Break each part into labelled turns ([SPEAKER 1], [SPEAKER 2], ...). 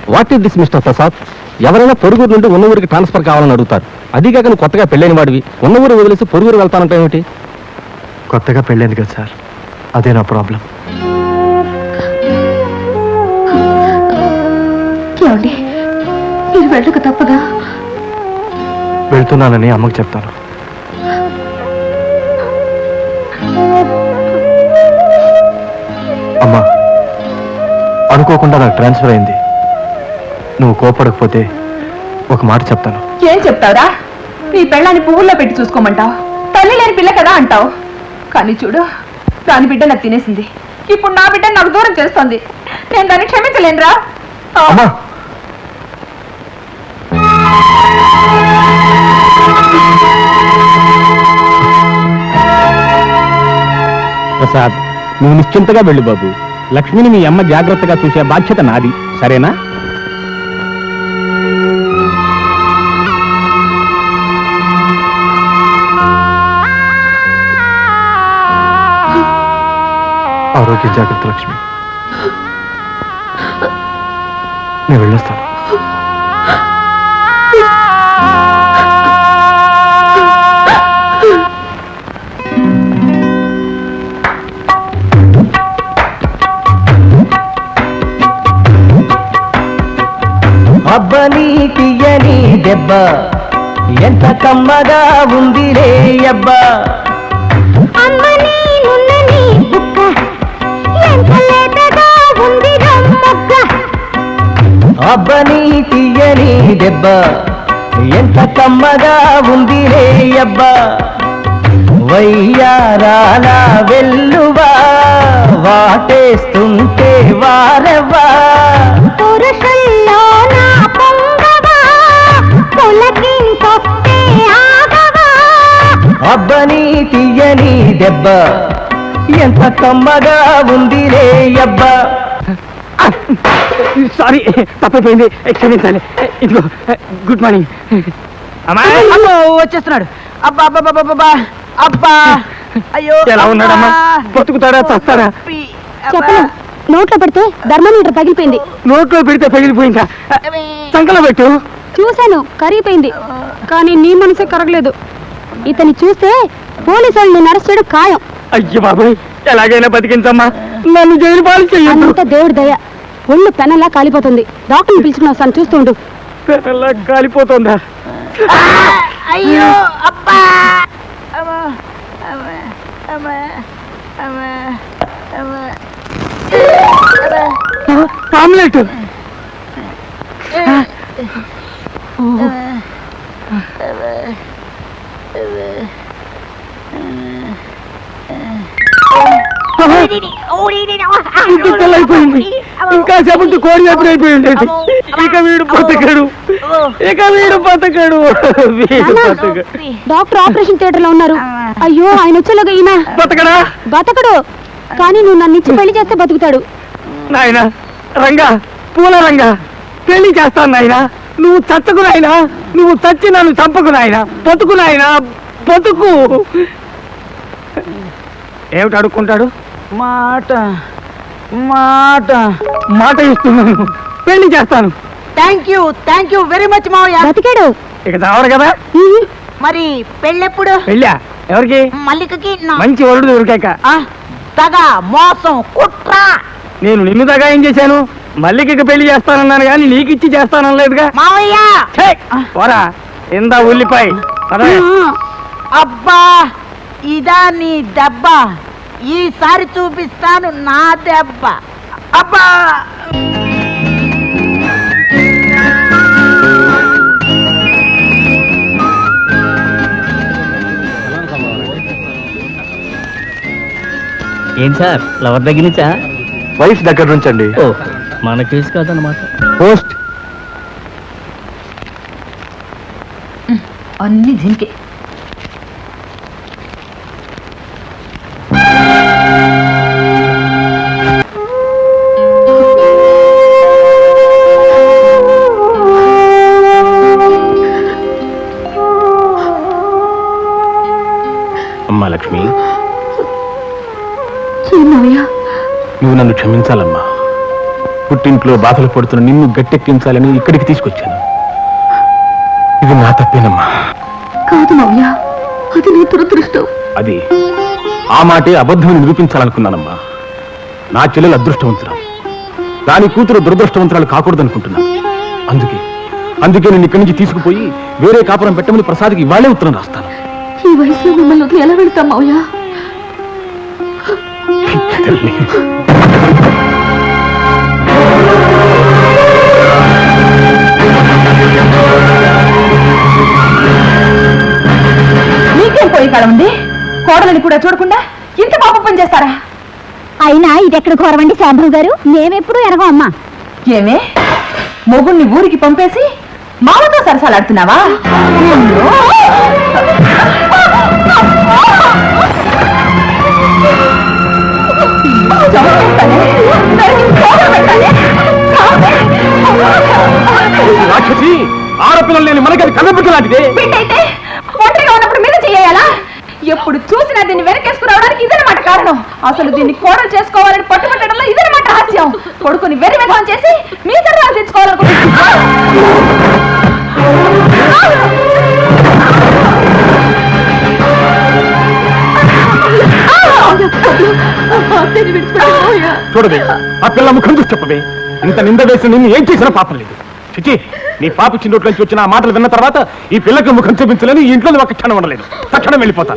[SPEAKER 1] What is this mister Prasad? ఎవరైనా పొరుగురు నుండి ఉన్న ఊరికి ట్రాన్స్ఫర్ కావాలని అడుగుతారు. అదిగాక నువ్వు కొత్తగా పెళ్ళైన వాడివి ఉన్న ఊరు వదిలేసి పొరుగురు వెళ్తానంటే ఏమిటి?
[SPEAKER 2] కొత్తగా పెళ్ళైంది కదా సార్, అదే నా ప్రాబ్లం.
[SPEAKER 3] మీరు వెళ్ళక తప్పదా?
[SPEAKER 2] వెళ్తున్నానని అమ్మకు చెప్తాను. అమ్మా, అనుకోకుండా నాకు ట్రాన్స్ఫర్ అయింది. నువ్వు కోపడకపోతే ఒక మాట చెప్తాను.
[SPEAKER 3] ఏం చెప్తావురా? నీ పెళ్ళాన్ని పువ్వుల్లో పెట్టి చూసుకోమంటావు, తల్లి లేని పిల్ల కదా అంటావు. కానీ చూడు, దాని బిడ్డ నాకు తినేసింది. ఇప్పుడు నా బిడ్డ నాకు దూరం చేస్తోంది. నేను దాన్ని క్షమించలేనురా.
[SPEAKER 1] ప్రసాద్, నువ్వు నిశ్చింతగా వెళ్ళు బాబు. లక్ష్మిని మీ అమ్మ జాగ్రత్తగా చూసే బాధ్యత నాది, సరేనా?
[SPEAKER 2] ఆరోగ్య జాగ్రత్త లక్ష్మి. నేను వెళ్ళొస్తాను.
[SPEAKER 4] అబ్బని తీయని దెబ్బ ఎంత కమ్మగా ఉందిలే అబ్బా. అబ్బని తీయని దెబ్బ ఎంత కమ్మగా ఉందిలే అబ్బా. వయ్యారాల వెల్లువా వాటేస్తుంటే వారవా. అబ్బని తీయని దెబ్బ ఎంత కమ్మగా ఉందిలే అబ్బా.
[SPEAKER 1] సారీ, తప్పైపోయింది, క్షమించాలి. ఇదిగో గుడ్ మార్నింగ్.
[SPEAKER 4] అమ్మో, వచ్చేస్తున్నాడు. అబ్బా అబ్బా అబ్బా అబ్బా. అయ్యో,
[SPEAKER 1] ఎలా ఉన్నాడమ్మా? బతుకుతాడా చస్తాడా?
[SPEAKER 3] చెప్పను, నోట్లో పెడితే ధర్మమీటర్ పగిలిపోయింది.
[SPEAKER 1] నోట్లో పెడితే పగిలిపోయిందా? సంకలో పెట్టు.
[SPEAKER 3] చూశాను, కరిగిపోయింది. కానీ నీ మనసే కరగలేదు. ఇతన్ని చూస్తే పోలీసు వాళ్ళు నిన్ను అరెస్ట్ చేయడం ఖాయం.
[SPEAKER 1] అయ్యో బాబాయ్, ఎలాగైనా బతికించమ్మా, నన్ను జైలు పాలు చెయ్యొద్దు.
[SPEAKER 3] అంత దేవుడి దయ. ఒళ్ళు పెనల్లా కాలిపోతుంది. డాక్టర్ని పిలుచుకుని వస్తాను, చూస్తుండు.
[SPEAKER 1] పెనల్లా కాలిపోతుందా?
[SPEAKER 4] అయ్యో అబ్బా.
[SPEAKER 1] ఆమ్లెట్. ఇంకా చెప్పండి, కోడి ఎప్పుడు అయిపోయింది. ఇక వీడు బతకడు, ఇక వీడు బతకడు.
[SPEAKER 3] డాక్టర్ ఆపరేషన్ థియేటర్ లో ఉన్నారు. అయ్యో, ఆయన వచ్చేలాగా ఈయన
[SPEAKER 1] బతకడా?
[SPEAKER 3] బతకడు, కానీ నువ్వు నన్ను ఇచ్చి పెళ్లి చేస్తే బతుకుతాడు.
[SPEAKER 1] నాయన రంగా, పూల రంగా, పెళ్లి చేస్తాను నాయన. నువ్వు చచ్చకు నాయన, నువ్వు చచ్చి నన్ను చంపకు నాయన. బతుకు నాయన, బతుకు. ఏమిటి అడుక్కుంటాడు?
[SPEAKER 4] మాట మాట
[SPEAKER 1] మాట ఇస్తున్నాను, పెళ్లి చేస్తాను.
[SPEAKER 4] థ్యాంక్ యూ వెరీ మచ్ మావయ్య.
[SPEAKER 3] బతికాడు.
[SPEAKER 1] ఇక చావడు కదా.
[SPEAKER 4] మరి పెళ్ళెప్పుడు?
[SPEAKER 1] పెళ్ళా? ఎవరికి?
[SPEAKER 4] మల్లికకి.
[SPEAKER 1] మంచి వరుడు దొరికాక.
[SPEAKER 4] తగ, మోసం, కుట్ర.
[SPEAKER 1] నేను నిన్ను దాకా ఏం చేశాను? మల్లికకి పెళ్లి చేస్తానన్నాను కానీ నీకిచ్చి చేస్తానలేదుగా
[SPEAKER 4] మావయ్య.
[SPEAKER 1] పోరా, ఇందా ఉల్లిపాయ.
[SPEAKER 4] అబ్బా, ఇదా నీ దెబ్బ? ఈసారి చూపిస్తాను నా దెబ్బ. అబ్బా.
[SPEAKER 5] ఏంటి సార్, లవర్ దగ్గర నుంచా?
[SPEAKER 2] వైఫ్ దగ్గర నుంచండి.
[SPEAKER 5] ఓ, మన కేసు కాదన్నమాట.
[SPEAKER 1] పోస్ట్.
[SPEAKER 3] అన్ని దీనికే.
[SPEAKER 1] అమ్మా లక్ష్మి,
[SPEAKER 3] చిన్నయ్య,
[SPEAKER 1] నువ్వు నన్ను క్షమించాలమ్మా.
[SPEAKER 6] పుట్టింట్లో బాధలు పడుతున్న నిన్ను గట్టెక్కించాలని ఇక్కడికి తీసుకొచ్చాను. ఇది నా తప్పేనమ్మా.
[SPEAKER 3] కాదు మావయ్య, అది నీ దురదృష్టం.
[SPEAKER 6] అది ఆ మాటే అబద్ధమని నిరూపించాలనుకున్నానమ్మా. నా చెల్లెలు అదృష్టవంతురాలు, దాని కూతురు దురదృష్టవంతురాలు కాకూడదనుకుంటున్నాను. అందుకే నేను ఇక్కడి నుంచి తీసుకుపోయి వేరే కాపురం పెట్టమని ప్రసాద్కి ఇవాళే ఉత్తరం రాస్తాను.
[SPEAKER 3] ఈ వయసులో మిమ్మల్ని వదిలి ఎలా వెళ్తాం మావయ్య? నీకేం పోయి కాలం ఉంది? కోడలని కూడా చూడకుండా ఇంత పాపం పని చేస్తారా?
[SPEAKER 7] అయినా ఇదెక్కడ ఘోరమండి శాంభవి గారు, మేమెప్పుడు ఎరగం అమ్మా.
[SPEAKER 3] ఏమే మొగుణ్ణి ఊరికి పంపేసి మామతో సరసాలాడుతున్నావా?
[SPEAKER 6] రాక్షసి, ఆడపిల్లలు లేని మనకి అది కన్నబిడ్డ లాంటిదే.
[SPEAKER 3] బిడ్డైతే ఒంటరిగా ఉన్నప్పుడు మీద చెయ్యాలా? ఎప్పుడు చూసినా దీన్ని వెనకేసుకురావడానికి ఇదనమాట కారణం. అసలు దీన్ని కోడలు చేసుకోవాలని పట్టుబట్టడంలో ఇదనమాట హాస్యం. కొడుకుని వెర్రి విధం చేసి మీ సరదాలు తెచ్చుకోవాలనుకుంటున్నా.
[SPEAKER 6] చూడవే, ఆ పిల్ల ముఖం చూసి చెప్పవే. ఇంత నింద వేసిన నిన్ను ఏం చేసినా పాపం లేదు. చిచి, నీ పాప చిన్నోట్ల నుంచి వచ్చిన ఆ మాటలు విన్న తర్వాత ఈ పిల్లకి ముఖం చూపించలేని ఈ ఇంట్లో ఒక క్షణం ఉండలేదు. తక్షణం వెళ్ళిపోతాను.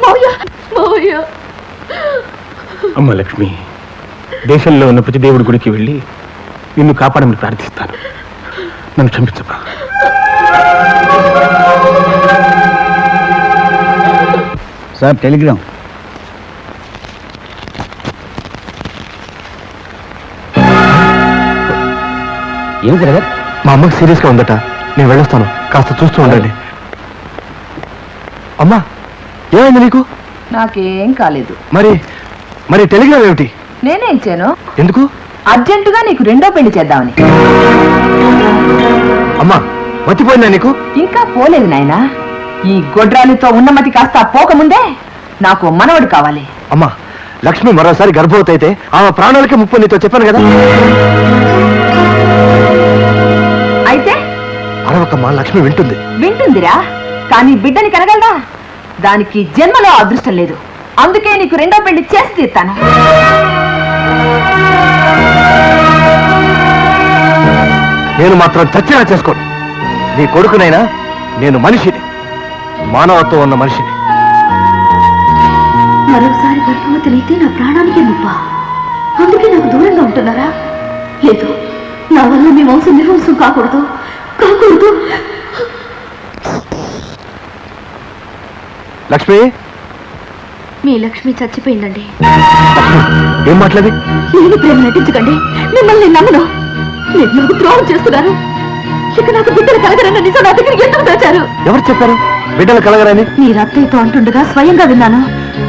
[SPEAKER 6] అమ్మ లక్ష్మి, దేశంలో ఉన్న ప్రతి దేవుడి గుడికి వెళ్ళి నిన్ను కాపాడమని ప్రార్థిస్తాను. నన్ను క్షమించమ్మా.
[SPEAKER 5] Sir telegram. ఏం బ్రదర్?
[SPEAKER 2] మా అమ్మకి సీరియస్ గా ఉందట, నేను వెళ్ళొస్తాను, కాస్త చూస్తూ ఉండండి. అమ్మా, ఏమైంది నీకు?
[SPEAKER 3] నాకేం కాలేదు.
[SPEAKER 2] మరి టెలిగ్రామ్ ఏమిటి?
[SPEAKER 3] నేనే ఇచ్చాను.
[SPEAKER 2] ఎందుకు?
[SPEAKER 3] అర్జెంటుగా నీకు రెండో పెళ్లి చేద్దామని.
[SPEAKER 2] అమ్మా, మర్చిపోయిందా నీకు?
[SPEAKER 3] ఇంకా పోలేదు నాయనా. ఈ గొడ్రాలితో ఉన్నమతి కాస్త పోకముందే నాకు మనవడు కావాలి.
[SPEAKER 2] అమ్మా, లక్ష్మి మరోసారి గర్భవతి అయితే ఆమె ప్రాణాలకి ముప్పు, నీతో చెప్పాను కదా.
[SPEAKER 3] అయితే
[SPEAKER 2] అరవకమ్మా, లక్ష్మి వింటుంది.
[SPEAKER 3] వింటుందిరా, కానీ బిడ్డని కనగలదా? దానికి జన్మలో అదృష్టం లేదు. అందుకే నీకు రెండో పెళ్లి చేసి తీస్తాను.
[SPEAKER 2] నేను మాత్రం చచ్చినా చేసుకోను. నీ కొడుకునైనా నేను మనిషిని, మానవత్వం ఉన్న మనిషిని.
[SPEAKER 7] మరోసారి గర్భవతులైతే నా ప్రాణానికే ముప్ప. అందుకే నాకు దూరంగా ఉంటున్నారా? లేదు, నా వల్ల మీ వంశం నిర్వంశం కాకూడదు.
[SPEAKER 2] లక్ష్మి,
[SPEAKER 7] మీ లక్ష్మి చచ్చిపోయిందండి.
[SPEAKER 2] ఏం మాట్లాడి?
[SPEAKER 7] నేను ప్రేమ నటించకండి, మిమ్మల్ని నమ్మను. మీరు నాకు ద్రోహం చేస్తున్నారు. ఇక నాకు బిడ్డలు కలగరన్న నిజం నా దగ్గర ఎందుకు దాచారు?
[SPEAKER 2] ఎవరు చెప్పారు బిడ్డలు కలగరని?
[SPEAKER 7] మీరు అత్తయ్యతో అంటుండగా స్వయంగా విన్నాను.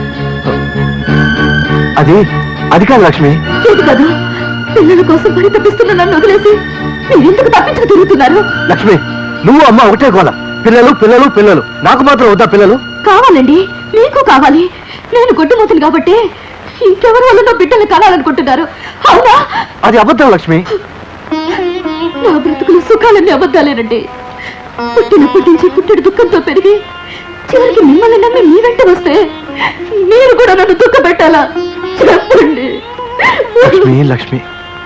[SPEAKER 2] అది కాదు లక్ష్మి.
[SPEAKER 7] లేదు కాదు, పిల్లల కోసం పరితపిస్తున్న నన్ను వదిలేసి మీరెందుకు తప్పించుకు తిరుగుతున్నారు?
[SPEAKER 2] లక్ష్మి, నువ్వు అమ్మ ఒకటే గోల. పిల్లలు పిల్లలు పిల్లలు, నాకు మాత్రం వద్దా పిల్లలు?
[SPEAKER 7] కావాలండి, మీకు కావాలి. నేను గొడ్డుమూతులు కాబట్టి ఇంకెవరి వల్ల బిడ్డలు కనాలనుకుంటున్నారు, అవునా?
[SPEAKER 2] అది అబద్ధం లక్ష్మి.
[SPEAKER 7] నా బ్రతుకులు సుఖాలన్నీ అబద్ధాలేనండి. పుట్టినప్పటి నుంచి పుట్టెడు దుఃఖంతో పెరిగి చివరికి మిమ్మల్ని నమ్మి మీ వెంట వస్తే మీరు కూడా నన్ను దుఃఖ పెట్టాలా? చెప్పండి.
[SPEAKER 2] లక్ష్మి,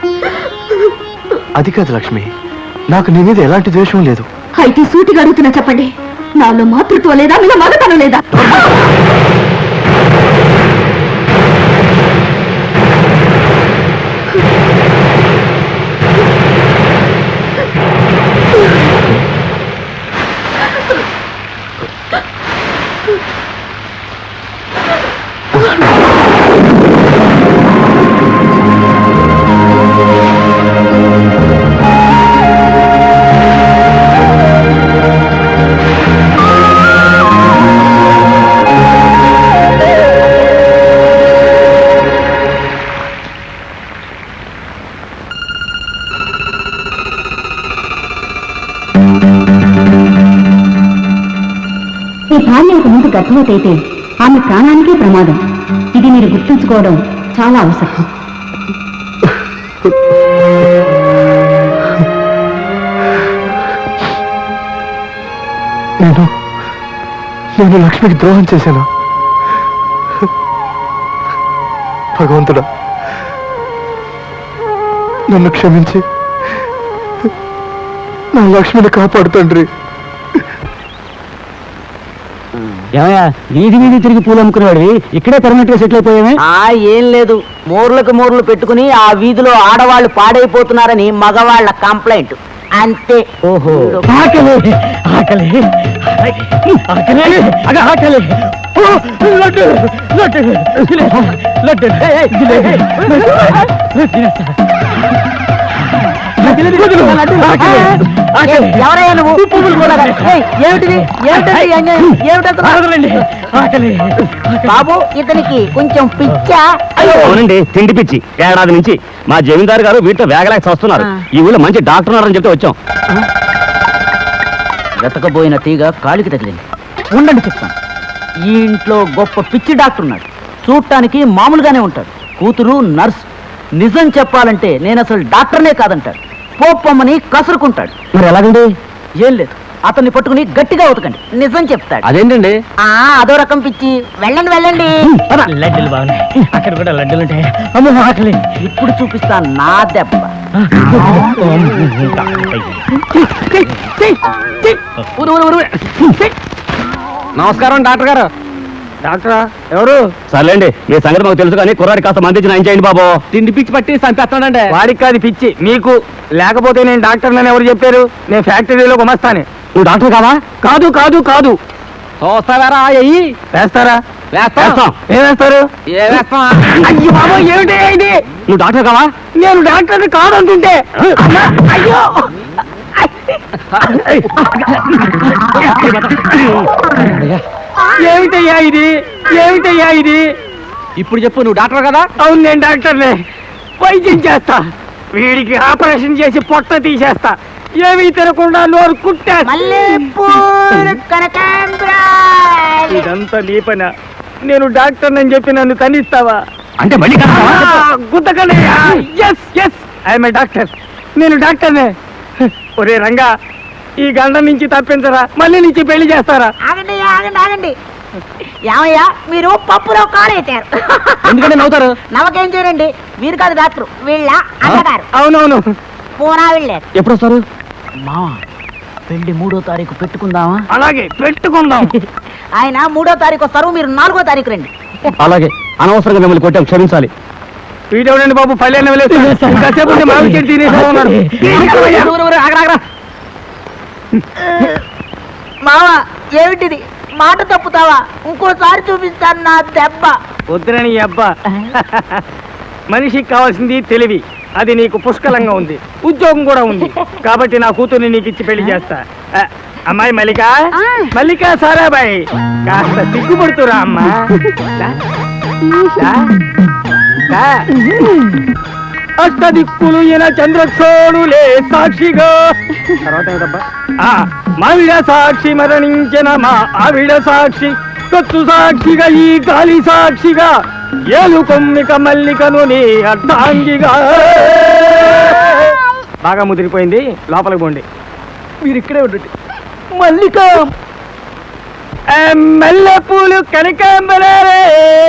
[SPEAKER 2] అది కాదు లక్ష్మి, నాకు నీ మీద ఎలాంటి ద్వేషం లేదు.
[SPEAKER 7] అయితే సూటిగా అడుగుతున్నా చెప్పండి, నాలో మాతృత్వం లేదా, మీలో మగతనం లేదా? ఈ భార్యకు ముందు గర్భవతి అయితే ఆమె ప్రాణానికే ప్రమాదం. ఇది మీరు గుర్తుంచుకోవడం చాలా అవసరం.
[SPEAKER 2] నేను లక్ష్మికి ద్రోహం చేశాను. భగవంతుడా, నన్ను క్షమించి నా లక్ష్మిని కాపాడు తండ్రి.
[SPEAKER 5] ఏమయ్యా, వీధి వీధి తిరిగి పూలు అమ్ముకునేవాడివి ఇక్కడే పర్మనెంట్ గా సెటిల్ అయిపోయామే.
[SPEAKER 4] ఏం లేదు, మూర్లకు మూర్లు పెట్టుకుని ఆ వీధిలో ఆడవాళ్ళు పాడైపోతున్నారని మగవాళ్ళ కంప్లైంట్ అంతే.
[SPEAKER 5] ఓహో, ఆకలి ఆకలి ఆకలి ఆకలి. ఓ, లడ్డు లడ్డు లడ్డు
[SPEAKER 4] ఎవరయ్యా నువ్వు? ఏమిటిది? బాబు, ఇతనికి కొంచెం పిచ్చా?
[SPEAKER 5] అవునండి, తిండి పిచ్చి. ఏడాది నుంచి మా జమీందారు గారు వీటితో వేగలేక వస్తున్నారు. ఈ ఊళ్ళో మంచి డాక్టర్ ఉన్నారని చెప్తే వచ్చాం. వెతకబోయిన తీగ కాలికి తగిలింది. ఉండండి చెప్తాను. ఈ ఇంట్లో గొప్ప పిచ్చి డాక్టర్ ఉన్నాడు. చూడటానికి మామూలుగానే ఉంటాడు. కూతురు నర్స్. నిజం చెప్పాలంటే నేను అసలు డాక్టర్నే కాదంటాడు. పోప్పమ్మని కసురుకుంటాడు. మరి ఎలాగండి? ఏం లేదు, అతన్ని పట్టుకుని గట్టిగా ఉతకండి, నిజం చెప్తాడు.
[SPEAKER 2] అదేంటండి?
[SPEAKER 4] అదో రకం పిచ్చి. వెళ్ళండి వెళ్ళండి.
[SPEAKER 5] లడ్డూలు బాగున్నాయి, అక్కడ కూడా లడ్డూలు ఉంటాయి. అమ్మో ఆకలి.
[SPEAKER 4] ఇప్పుడు చూపిస్తా నా దెబ్బ.
[SPEAKER 1] నమస్కారం డాక్టర్ గారు. డాక్టరా ఎవరు?
[SPEAKER 5] సర్లేండి, మీ సంగతి మాకు తెలుసు కానీ కుర్రాడి కాస్త మందించి నయం చేయండి బాబు.
[SPEAKER 1] తిండి పిచ్చి పట్టి చంపేస్తానండి. వాడికి కాదు పిచ్చి, మీకు. లేకపోతే నేను డాక్టర్ నన్ను ఎవరు చెప్పారు? నేను ఫ్యాక్టరీలో గుమస్తానే.
[SPEAKER 5] నువ్వు డాక్టర్ కావా?
[SPEAKER 1] కాదు కాదు కాదు. చూస్తారా? అయ్యి వేస్తారా?
[SPEAKER 5] వేస్తాం.
[SPEAKER 1] ఏం వేస్తారు? అయ్యో బాబా, ఏమిటి ఇది?
[SPEAKER 5] నువ్వు డాక్టర్ కావా?
[SPEAKER 1] నేను డాక్టర్ కాదంటుంటే. అమ్మా, అయ్యో. ఏమిటయ్యా ఇది? ఏమిటయ్యా ఇది?
[SPEAKER 5] ఇప్పుడు చెప్పు, నువ్వు డాక్టర్ కదా?
[SPEAKER 1] అవును, నేను డాక్టర్నే. వైద్యం చేస్తా. వీడికి ఆపరేషన్ చేసి పొట్ట తీసేస్తా. ఏమీ తినకుండా నోరు కుట్టేస్తా.
[SPEAKER 4] మల్లెపూలు కనకాంబరాలు.
[SPEAKER 1] ఇదంతా నీ పనా? నేను డాక్టర్ అని చెప్పి నన్ను తనిస్తావా?
[SPEAKER 5] అంటే మళ్ళీ
[SPEAKER 1] గుద్దకనయ్యా. Yes yes, I'm a doctor. నేను డాక్టర్నే. ఒరే రంగా, ఈ గండం నుంచి తప్పించరా, మళ్ళీ నుంచి పెళ్లి చేస్తారా?
[SPEAKER 4] ఆగండి ఆగండి ఆగండి. ఏమయ్యా, మీరు పప్పులో కాలేశారు.
[SPEAKER 5] ఎందుకంటే నవ్వుతారు?
[SPEAKER 4] నవ్వకేం చేయరండి. మీరు కాదు డాక్టర్, వీళ్ళ అన్నగారు.
[SPEAKER 1] అవునవును.
[SPEAKER 4] పూనా వెళ్ళారు.
[SPEAKER 5] ఎప్పుడు వస్తారు?
[SPEAKER 4] మావా, పెళ్లి 3వ తారీఖు పెట్టుకుందామా?
[SPEAKER 1] అలాగే పెట్టుకుందాం.
[SPEAKER 4] ఆయన 3వ తారీఖు వస్తారు, మీరు 4వ తారీఖు రండి.
[SPEAKER 5] అలాగే. అనవసరంగా మిమ్మల్ని కొట్టాం, క్షమించాలి.
[SPEAKER 1] వీడెవడండి బాబు, పల్లెన్న కాసేపు మామిడి చెట్టు తినేసా ఉన్నాడు.
[SPEAKER 4] మావా, ఏమిటిది? మాట తప్పుతావా? ఇంకోసారి చూపిస్తాను నా దెబ్బ.
[SPEAKER 1] వద్దురని అబ్బా. మనిషికి కావాల్సింది తెలివి. అది నీకు పుష్కలంగా ఉంది. ఉద్యోగం కూడా ఉంది. కాబట్టి నా కూతుర్ని నీకు ఇచ్చి పెళ్లి చేస్తా. అమ్మాయి మల్లిక, మల్లిక సారాబాయ్, కాస్త సిగ్గుపడుతురా అమ్మా. అష్టదిక్కులు ఈయన చంద్రక్షోణులే సాక్షిగా. తర్వాత ఏమిటబ్బా? మావిడ సాక్షి మరణించిన మా ఆవిడ సాక్షి, కత్తు సాక్షిగా ఈ గాలి సాక్షిగా, ఏలు కొమ్మిక మల్లికను నీ అర్థాంగిగా. బాగా ముదిరిపోయింది, లోపలికి పోండి. మీరు ఇక్కడే ఉండండి. మల్లిక, మల్లెపూలు కనకాంబరాలే.